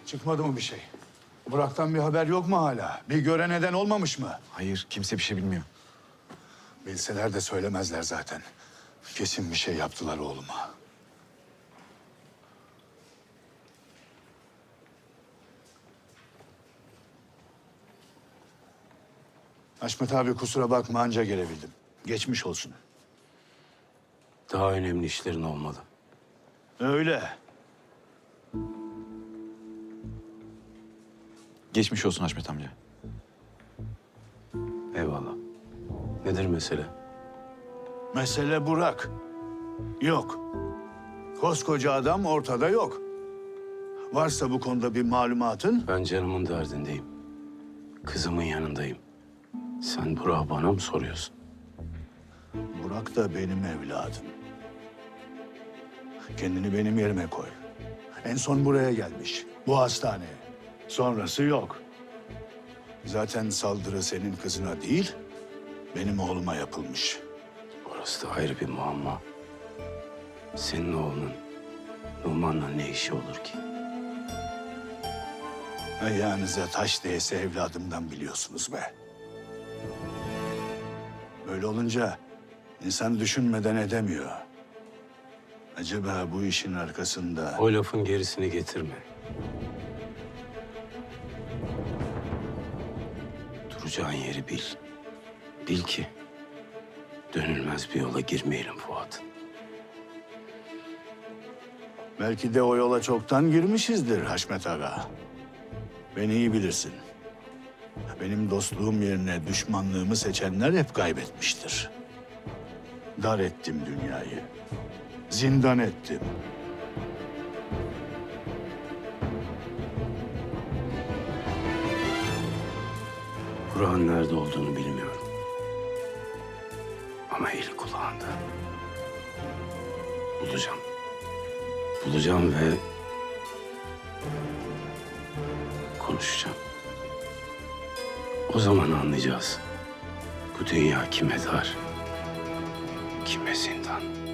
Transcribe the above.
Çıkmadı mı bir şey? Burak'tan bir haber yok mu hala? Bir gören neden olmamış mı? Hayır, kimse bir şey bilmiyor. Bilseler de söylemezler zaten. Kesin bir şey yaptılar oğluma. Haşmet abi kusura bakma anca gelebildim. Geçmiş olsun. Daha önemli işlerin olmalı. Öyle. Geçmiş olsun Haşmet amca. Eyvallah. Nedir mesele? Mesele Burak. Yok. Koskoca adam ortada yok. Varsa bu konuda bir malumatın? Ben canımın derdindeyim. Kızımın yanındayım. Sen Burak'ı bana mı soruyorsun? Burak da benim evladım. Kendini benim yerime koy. En son buraya gelmiş. Bu hastaneye. Sonrası yok. Zaten saldırı senin kızına değil, benim oğluma yapılmış. Orası da ayrı bir muamma. Senin oğlunun Numan'la ne işi olur ki? Ayağınıza taş değse evladımdan biliyorsunuz be. Böyle olunca insan düşünmeden edemiyor. Acaba bu işin arkasında... O lafın gerisini getirme. Duracağın yeri bil. Bil ki dönülmez bir yola girmeyelim Fuat. Belki de o yola çoktan girmişizdir Haşmet Ağa. Beni iyi bilirsin. Benim dostluğum yerine düşmanlığımı seçenler hep kaybetmiştir. Dar ettim dünyayı. Zindan ettim. Burak'ın nerede olduğunu bilmiyorum. Ama eli kulağında. Bulacağım. Bulacağım ve konuşacağım. O zaman anlayacağız. Bu dünya kime dar, kime zindan.